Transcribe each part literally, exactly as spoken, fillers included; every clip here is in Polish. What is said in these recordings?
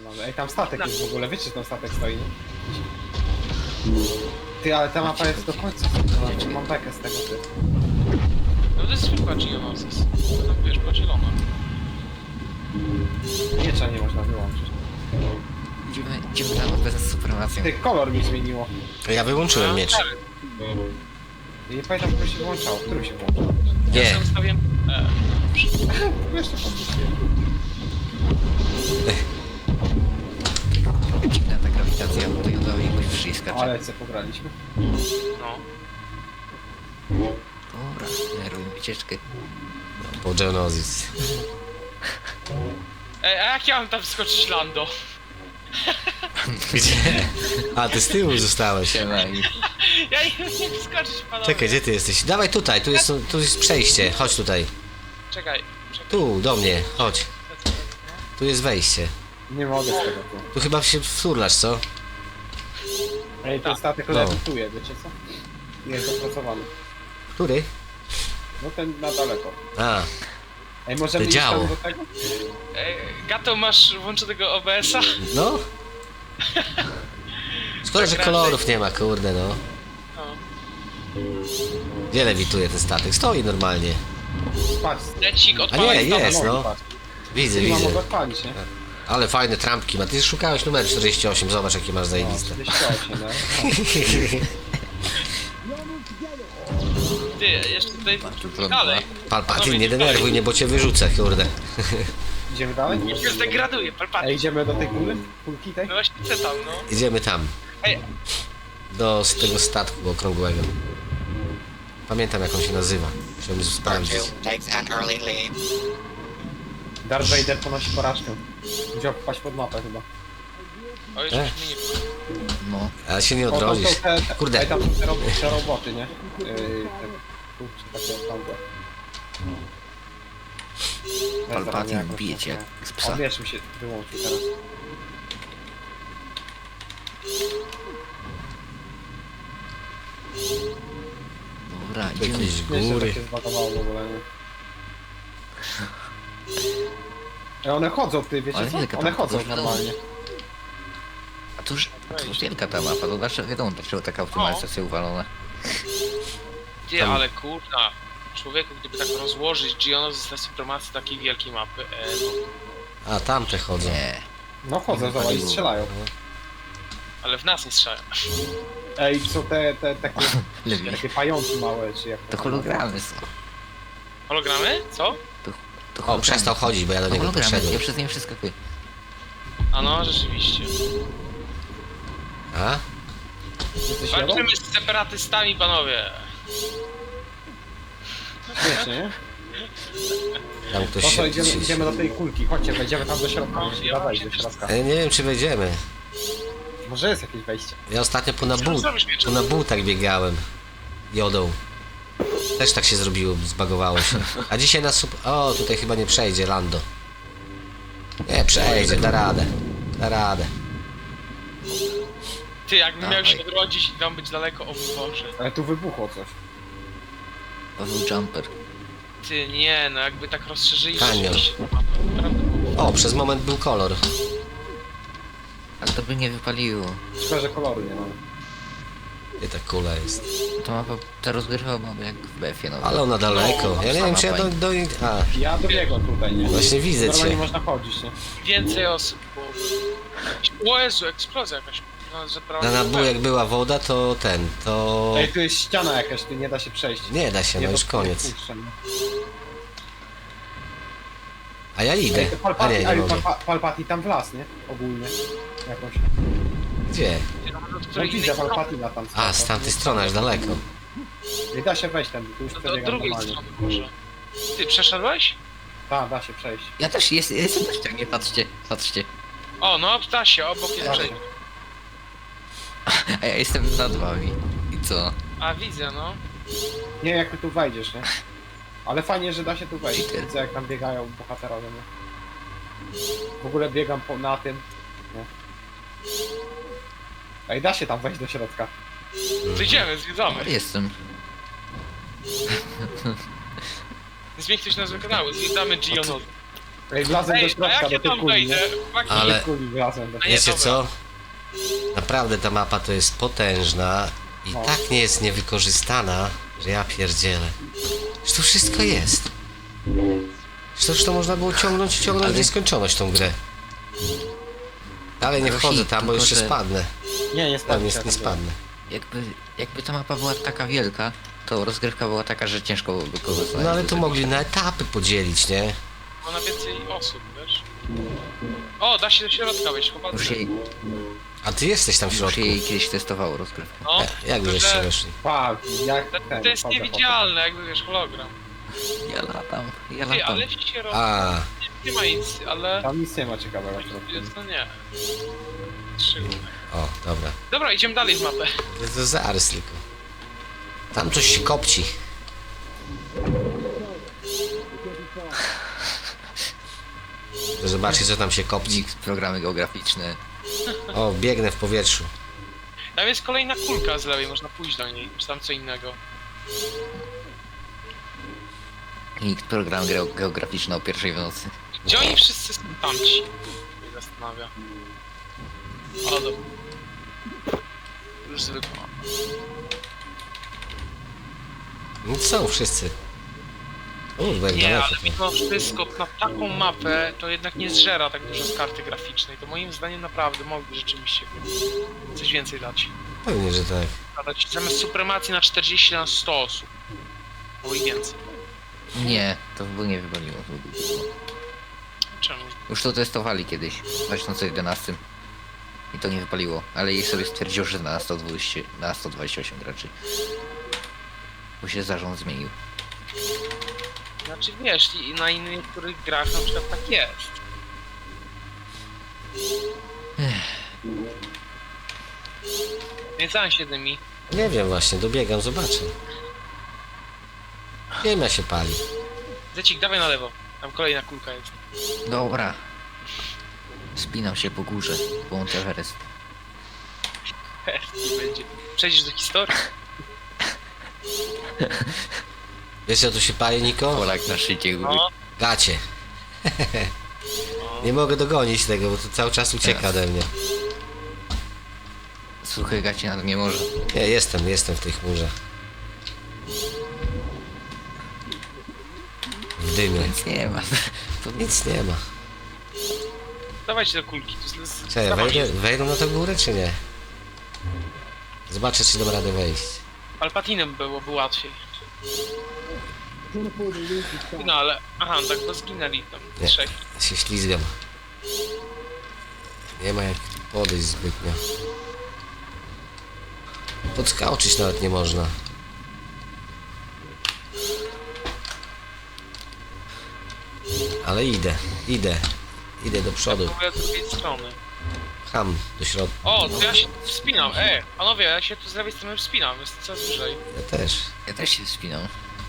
Ej, tam statek jest w ogóle, wiecie, że tam statek stoi, nie? Ty, ale ta mapa jest do końca. No, mam bekę z tego, ty. No to jest zwykła Geonosis. Tam wiesz, podzielona. Miecza nie można wyłączyć. Idziemy, idziemy na nowę z supremacją. Ty, kolor mi zmieniło. Ja wyłączyłem miecz. I nie pamiętam, który się włączał. Który się włączał? Ja Nie. sobie ustawiłem... E, Jeszcze podpisuje. Dziwna ta grawitacja, bo to ją dało jakoś wszystko. Ale co pograliśmy? no. Dobra, nerwuj wycieczkę. Po Geonosis. Ej, a jak ja mam tam wskoczyć Lando? Gdzie? A, ty z tyłu zostałeś. Siema i... Ja nie umiem wskoczyć, panowie. Czekaj, gdzie ty jesteś? Dawaj tutaj, tu jest, tu jest przejście. Chodź tutaj. Czekaj, czekaj. Tu, do mnie, chodź. Tu jest wejście. Nie mogę z tego, ty. Tu chyba się wturlasz, co? Ej, ten statek No. lewituje, wiecie co? Nie jest dopracowany. Który? No ten na daleko. A, Ej, możemy To iść działo. tam do tego? Ej, Gato, masz włączonego O B S a? no. Szkoda, że kolorów nie ma, kurde no. No. Gdzie lewituje ten statek? Stoi normalnie. Patrz. Lecik A odpalaj. nie, jest, nogi, no. patrz. Widzę, Nie ma widzę. mogę odpalić, nie? Ale fajne trampki ma. Ty szukałeś numer czterdzieści osiem, zobacz jakie masz No, zajebiste. czterdzieści osiem, no. Ty, jeszcze tutaj trudno. dalej. Palpatin, nie denerwuj mnie, bo cię wyrzucę, kurde. Idziemy dalej? Nie się zdegraduje, palpaty. Ej, idziemy do tej kuli? Kulki tej? No właśnie chcę tam, no. Idziemy tam. Ej, Do z tego statku okrągłego. Pamiętam jak on się nazywa. Chciałbym sprawdzić. takes an early lead. Darth Vader ponosi porażkę. Musiał wpaść pod mapę chyba. o już E? mi nie... No, Ale się nie O, tam odrodzisz. są te, te, Kurde. Ej, tam są te, ro te roboty, nie? Yy, te kurczę, takie okrągłe. Palpatine bije cię jak z psa. On wiesz, mi się wyłączył teraz. Dobra, Tu idziemy. jakieś Wiesz, że góry. tak się zbagowało w ogóle, nie? Ej, one chodzą, ty, wiecie Ale co? wielka One tam chodzą podróż. normalnie. A to już, to już wielka ta mapa, to znaczy wiadomo dlaczego taka optymalizacja uwalona. Ty, Tam- ale kurna. Człowieku, gdyby tak rozłożyć Geonosis na supremacji takiej wielkiej mapy, e, no. A, tamte chodzą. Nie. No chodzą, zobacz, i strzelają. Ale w nas nie strzelają. Ej, są te, te takie, Lepiej. takie pająki małe, czy jak To hologramy są. Hologramy? Co? To O, hologramy. przestał chodzić, bo ja do To niego hologramy, podszedłem. ja przez nie przeskakuję. A no, rzeczywiście. A? Jesteś jadą? Walczymy z separatystami, panowie. Śmiesznie, nie? Tam ktoś Po co się... idziemy, idziemy do tej kulki, chodźcie, wejdziemy tam do środka, No, musimy ja wejść się do środka. E, Nie wiem czy wejdziemy. Może jest jakieś wejście. Ja ostatnio po na Co but, zrobisz, Mieczem? po na butach biegałem. Jodą. Też tak się zrobiło, zbagowało się. A dzisiaj na sup... O, tutaj chyba nie przejdzie Lando. Nie, przejdzie, da radę. Da radę. Ty, jakbym miał się Dawaj. odrodzić i tam być daleko, o mój Boże. Ale tu wybuchło coś. Paweł Jumper. Ty, nie, no jakby tak rozszerzyli Kanion. rzeczywiście tę mapę, naprawdę było. O, przez moment był kolor. Ale to by nie wypaliło. Szkoda, że koloru nie mamy. Gdzie ta kula jest? To mapa, ta rozgrywka mamy jak w B F ie, no. Ale ona daleko. Ja nie wiem czy ja do... do... A, Ja dobiegłem tutaj, nie? właśnie widzę Normalnie cię. można chodzić, nie? Więcej osób było. O Jezu, eksplozja jakaś. No, że prawie Na nabu jak była woda, to ten, to... Ej, tu jest ściana jakaś, tu nie da się przejść. Nie da się, no Nie już do- koniec. nie puszczę, nie? A ja idę. Ej, to A Palpati, nie, nie ale mogę. Palpa- Palpati tam w las, nie? Ogólnie. Jakoś. Gdzie? No, No widzę Palpatina tam. A, z tamtej strony, aż daleko. Nie da się wejść tam, tu już Do, do przebiegam drugiej normalnie. strony może. Ty, przeszedłeś? Tak, da się przejść. Ja też jest, jestem też tak, nie patrzcie, patrzcie. O, no, da się, obok jest Da się. przejście. A ja jestem nad wami. I co? A, widzę, no. Nie, jak ty tu wejdziesz, nie? Ale fajnie, że da się tu wejść. Cheater. Widzę jak tam biegają bohaterowie, nie? W ogóle biegam po, na tym. Nie? Ej, da się tam wejść do środka. To idziemy, No, zwiedzamy. jestem. Zmień ktoś nazwę kanału, zwiedzamy Geonosis. Ej, wlazłem do Ej, a środka, jak do ja tej tam kuli, wejdę? nie? Chłopaki, Ale- Do tej kuli wlazłem do A nie, Wiecie dobra. co? Naprawdę ta mapa to jest potężna i No. tak nie jest niewykorzystana, że ja pierdzielę. Że to wszystko jest. Przecież to można było ciągnąć i ciągnąć w Ale- nieskończoność tą grę. Dalej nie Rosi, wchodzę tam, bo tylko jeszcze że- spadnę. Nie, nie Tam spadłem. jest, nie spadnę. Jakby, jakby ta mapa była taka wielka, to rozgrywka była taka, że ciężko byłoby kogoś znaleźć. No ale to mogli na etapy podzielić, nie? Bo na więcej osób, wiesz? O, da się do środka wejść, Już chłopacy. jej, A ty jesteś tam w już środku. jej kiedyś testowało rozgrywkę. No, E, Jak tylko, żeście że weszli? Tak, jak to, ten. to jest chodzę, niewidzialne, jakby wiesz, hologram. Ja latam, ja Ty, latam. ale w środku A, nie ma nic, ale... chodzę. Tam nic nie ma ciekawego w środku. To nie. Trzy. o, dobra. Dobra, idziemy dalej w mapę. To, to zaraz tylko. Tam coś się kopci. To zobaczcie co tam się kopci. Nikt, programy geograficzne. O, biegnę w powietrzu. Tam jest kolejna kulka z lewej, można pójść do niej, czy tam co innego. Nikt, program geo- geograficzny o pierwszej w nocy. Gdzie oni wszyscy są tamci? Mnie zastanawia. O, dobra. Już zwykła mapa. No są wszyscy. Kurde, jak Nie, daleko ale to. mimo wszystko na taką mapę to jednak nie zżera tak dużo z karty graficznej. To moim zdaniem naprawdę mogli rzeczywiście coś więcej dać. Pewnie, że tak. Dać zamiast supremacji na czterdzieści na sto osób. Albo i więcej. Nie, to by nie wywaliło. Czemu? Już to testowali kiedyś, w dwa tysiące jedenastym. I to nie wypaliło, ale jej sobie stwierdził, że na sto dwadzieścia, na sto dwadzieścia osiem graczy. Bo się zarząd zmienił. Znaczy wiesz, i na innych niektórych grach na przykład tak jest. Nie znam się tymi. Nie wiem właśnie, dobiegam, zobaczę. Ziemia się pali. Zecik, dawaj na lewo. Tam kolejna kulka jest. Dobra. Spinam się po górze, po Mount Everest. Nie będzie. Przejdziesz do historii. Wiesz co tu się pali, Niko? Polak na szczycie góry. No. Gacie. no. Nie mogę dogonić tego, bo to cały czas ucieka Teraz. ode mnie. Suche gacie nad nie może. Nie, jestem, jestem w tej chmurze. W dymie. Nic nie ma. To Nic nie ma. Dawajcie do kulki. Tu z- z- Czekaj, dawaj. wejdę, wejdą na tę górę, czy nie? Zobaczę, czy dam radę wejść. Palpatinem byłoby łatwiej. No ale... Aha, no tak bo zginęli tam Nie. trzech. Ja się ślizgam. Nie ma jak tu podejść zbytnio. Podskoczyć nawet nie można. Ale idę, idę. Idę do przodu. Próbuję z drugiej strony. Ham do środka. O, to ja się tu wspinam. E, panowie, ja się tu z lewej strony wspinam. Jest coraz wyżej. Ja też. Ja też się spinam.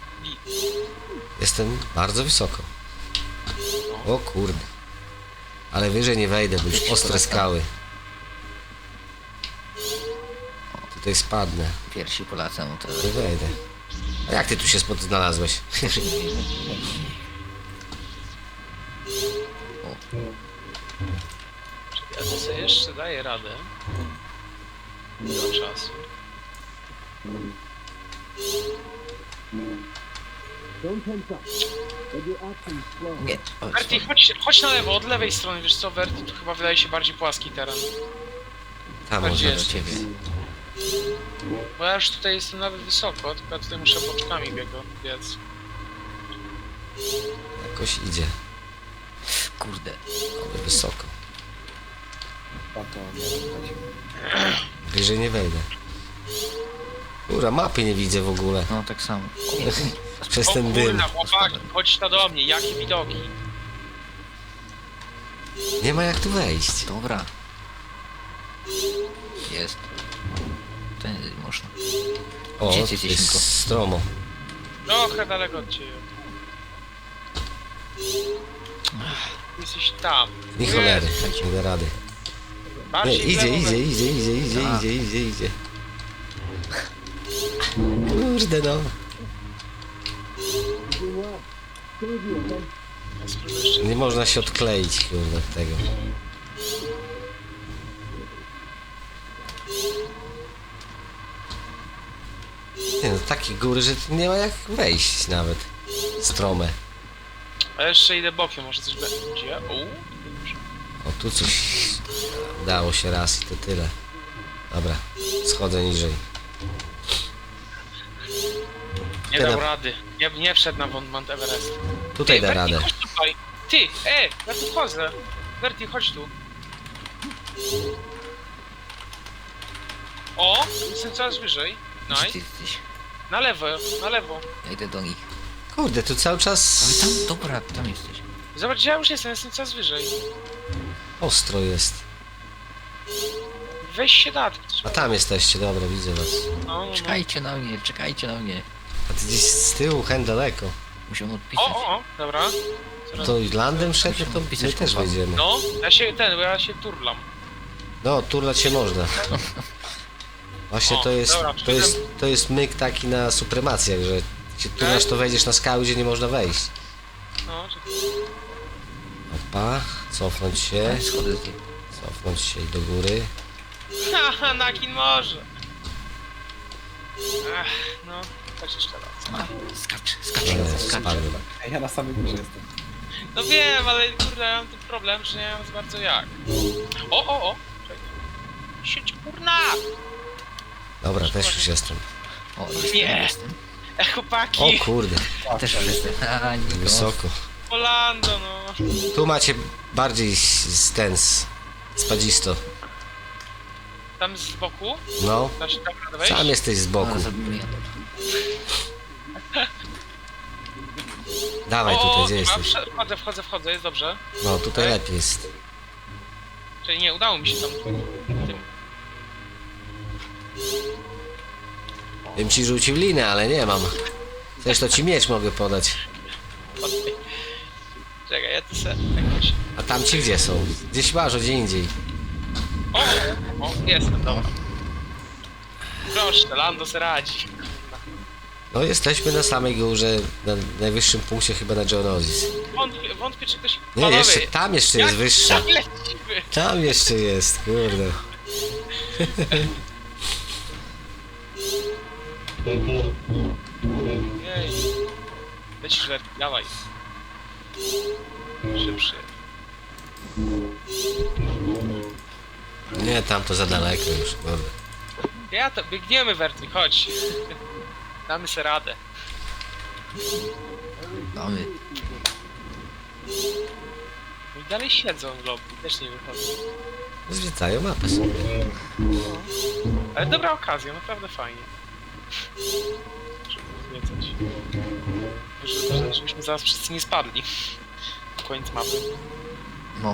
Jestem bardzo wysoko. O kurde. Ale wyżej nie wejdę, bo już ostre skały. Tutaj spadnę. Pierwsi Polacy, no to... Nie wejdę. A jak ty tu się spod znalazłeś? Ja to sobie jeszcze daję radę. Do czasu. Nie, o, Verti, chodź, chodź na lewo, od lewej strony, wiesz co, Verti, tu chyba wydaje się bardziej płaski teren. Tam Gdzie może. do jest? ciebie. Bo ja już tutaj jestem nawet wysoko, tylko ja tutaj muszę boczkami biego, biec. Jakoś idzie. Kurde. Ale wysoko. Tam to nie wiem. Wyżej nie wejdę. Ura, mapy nie widzę w ogóle. No tak samo. Przez O ten dym. kurna, chłopaki, chodź ta do mnie, jakie widoki. Nie ma jak tu wejść. Dobra. Jest. To nie można. O, Gdzie to ty jesteś, jest Niko? stromo. Trochę daleko od ciebie. Jesteś tam. Nie Tu cholery, jest. nie da rady. Nie, Bardziej w idzie, lewo, idzie, Verti. idzie, idzie, idzie, A. idzie, idzie, idzie. Kurde no. Ja spróbuję jeszcze. Nie można się odkleić, kurde, od tego. Nie no, takie góry, że tu nie ma jak wejść nawet. Strome. A jeszcze idę bokiem, może coś będzie. O, dobrze. O, tu coś udało się raz i to tyle. Dobra, schodzę niżej. Nie Ty dał na- rady. Nie, nie wszedł na Mount Everest. Tutaj Ty, da Berti, radę. chodź tutaj. Ty, e, ja tu wchodzę. Berti, chodź tu. O, jestem coraz wyżej. Gdzie ty Nice. jesteś? Na lewo, na lewo. Ja idę do nich. Kurde, tu cały Ale czas tam, dobra, tam jesteś. Zobacz, gdzie ja już jestem, jestem coraz wyżej. ostro jest. Weź się da. A tam jesteście, dobra, widzę was. No, no, no. Czekajcie na mnie, czekajcie na mnie. A ty gdzieś z tyłu, hen daleko. Muszę odpisać. O, o, o, dobra. Coraz- To landem szedł, to my też wejdziemy. No, ja się, ten, bo ja się turlam. No, turlać się można. Właśnie O, to jest, dobra, to jest, to jest myk taki na supremacjach, że się turlasz, to wejdziesz na skały, gdzie nie można wejść. No, czekaj. Opa, cofnąć się, Ja schodzę z nich. cofnąć się i do góry. Haha, Nakin może. Ech, no, chodź jeszcze raz. A, skacz, skacz, Nie, skacz. spadłem. Ej, ja na samej górze jestem. No wiem, ale kurde, ja mam ten problem, że nie mam za bardzo jak. O, o, o! Czekaj. Sieć kurna! Dobra, też już jestem. O, jestem, Nie. jestem. E, O chłopaki! kurde, Też już jestem. A, Nikos. wysoko. Polando, no. Tu macie bardziej z ten, z spadzisto. Tam z boku? No, Da się tam radę wejść? sam jesteś z boku. Ale zabijmy. Dawaj O, tutaj, o, gdzie dobra, jesteś? wsze- Wchodzę, wchodzę, wchodzę, jest dobrze. No, tutaj Okej. lepiej jest. Czyli nie, udało mi się tam tym. Bym ci rzucił linę, ale nie mam. Chcesz, to ci miecz mogę podać. Okej. Czekaj, ja tu se jakoś... A tam ci gdzie są? Gdzieś masz, gdzie indziej. O, o, jestem, dobra. Proszę, Lando se radzi. No, jesteśmy na samej górze, na najwyższym punkcie chyba na Geonosis. Wątpię, wątpię czy ktoś... Nie, Panowie, jeszcze, tam jeszcze jest jak- wyższa. jak lecimy? Tam jeszcze jest, kurde. Jej. Lecisz, Werki, dawaj. Szybszy. Nie, tam to za daleko już, kurde. Ja to, biegniemy, Werty, chodź. Damy se radę. Mamy. No i dalej siedzą w lobby, też nie wychodzą. Zwiedzają mapę sobie. Ale dobra okazja, naprawdę fajnie. Żeby zwiedzać. Żeby- Żebyśmy zaraz wszyscy nie spadli. Koniec mapy. No.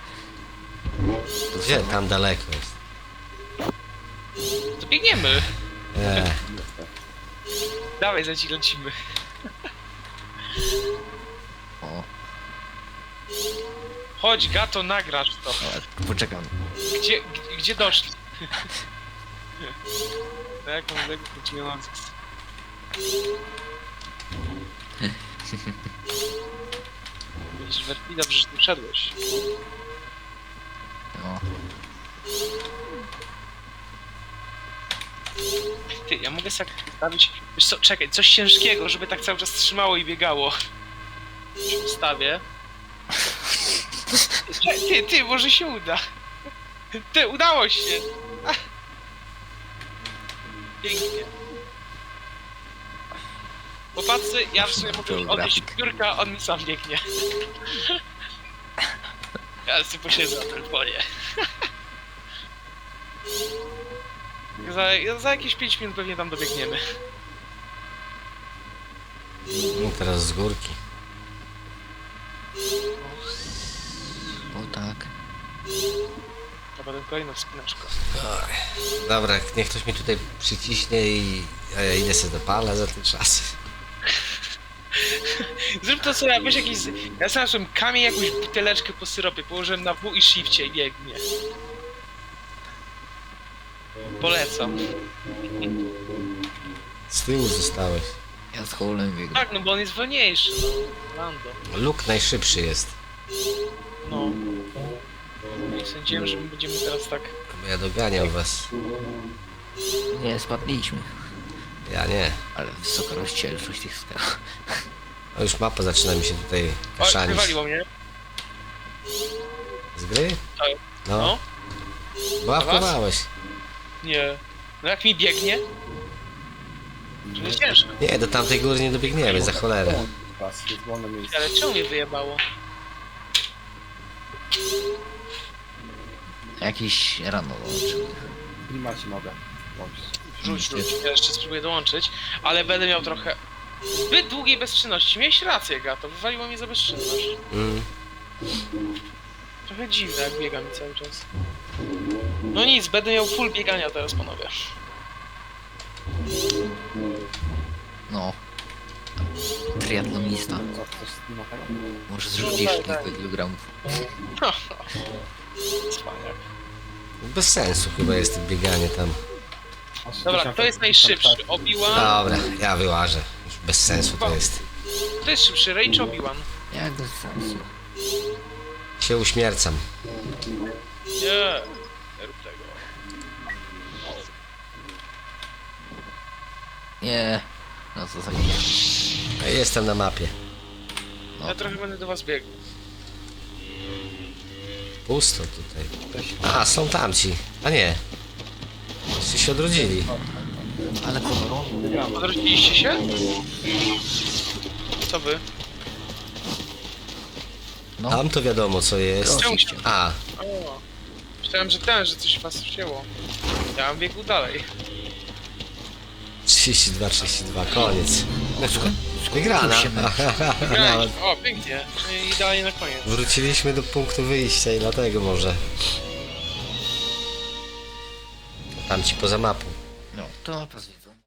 Gdzie? Tam daleko jest. To biegniemy. Eee, Dawaj, zaci lecimy. O, Chodź, Gato, nagrasz to. ale poczekam. Gdzie, gdzie, gdzie doszli? Tak, mam tego poczynających. Widzisz, Werti, dobrze, że tu szedłeś. No. Ty, ja mogę sobie tak ustawić... Wiesz co, czekaj, coś ciężkiego, żeby tak cały czas trzymało i biegało. Się ustawię. Ty, ty, ty, może się uda. Ty, udało się! Ach. Pięknie. Popatrzcie, ja w sumie mogę już odejść Geographic. piórka, on mi sam biegnie. Ja sobie posiedzę na telefonie. Za, za jakieś pięć minut pewnie tam dobiegniemy. no teraz z górki. O tak. To będę kolejna wspinaczka. Dobra, niech ktoś mi tutaj przyciśnie i a ja idę sobie do pala za ten czas. Zrób to co ja, weź jakiś... Ja znalazłem kamień, jakąś buteleczkę po syropie, położyłem na W i shifcie i biegnie. Polecam. Z tyłu zostałeś. Ja z Howlem biegnę. Tak, no bo on jest wolniejszy, no. Lando. Luke najszybszy jest. No. Nie sądziłem, że my będziemy teraz tak... Bo ja doganiam was. Nie, spadliśmy. Ja nie. Ale wysoka rozdzielczość tych skal. O, już mapa zaczyna mi się tutaj O, kaszanić. wywaliło mnie. Z gry? Tak. No. No. Łapkowałeś. Nie. No jak mi biegnie? To jest ciężko. Nie, do tamtej góry nie dobiegniemy, za cholerę. Pas, jest wolne miejsce. Ale czemu mnie wyjebało? Jakiś rano dołączył. Klimacie mogę włączyć. Rzuć, rzuć. Ja jeszcze spróbuję dołączyć, ale będę miał trochę... Zbyt długiej bezczynności. Miałeś rację, Gato. Wywaliło mnie za bezczynność. Mm. Trochę dziwne, jak biega mi cały czas. No nic, będę miał full biegania teraz, panowie. No. Triatlonista. Co, coś z klimatem? Może zrzucisz No tak, tak. kilka kilogramów. Cwaniak. Bez sensu chyba jest to bieganie tam. Dobra, kto jest najszybszy? Obi-Wan? Dobra, ja wyłażę. Już bez sensu to jest. Kto jest szybszy? Rey czy Obi-Wan? Jak bez sensu. Się uśmiercam. Nie, nie rób tego. Nie. No co za Ja jestem na mapie. Ja trochę będę do was biegł. Pusto tutaj. A, są tamci. A nie. Wszyscy się odrodzili. Ale koloro? Wygramy. Odrodziliście się? Co wy? No. Tam to wiadomo co jest. Czemu się... A, O, myślałem, że ten, że coś was wzięło. Ja mam biegł dalej. trzydzieści dwa, trzydzieści dwa, koniec. Skąd- Wygrana. się mecz? Grałeś. O, pięknie. I idealnie na koniec. Wróciliśmy do punktu wyjścia i dlatego może. Tam ci poza mapą. No, to pas widzę.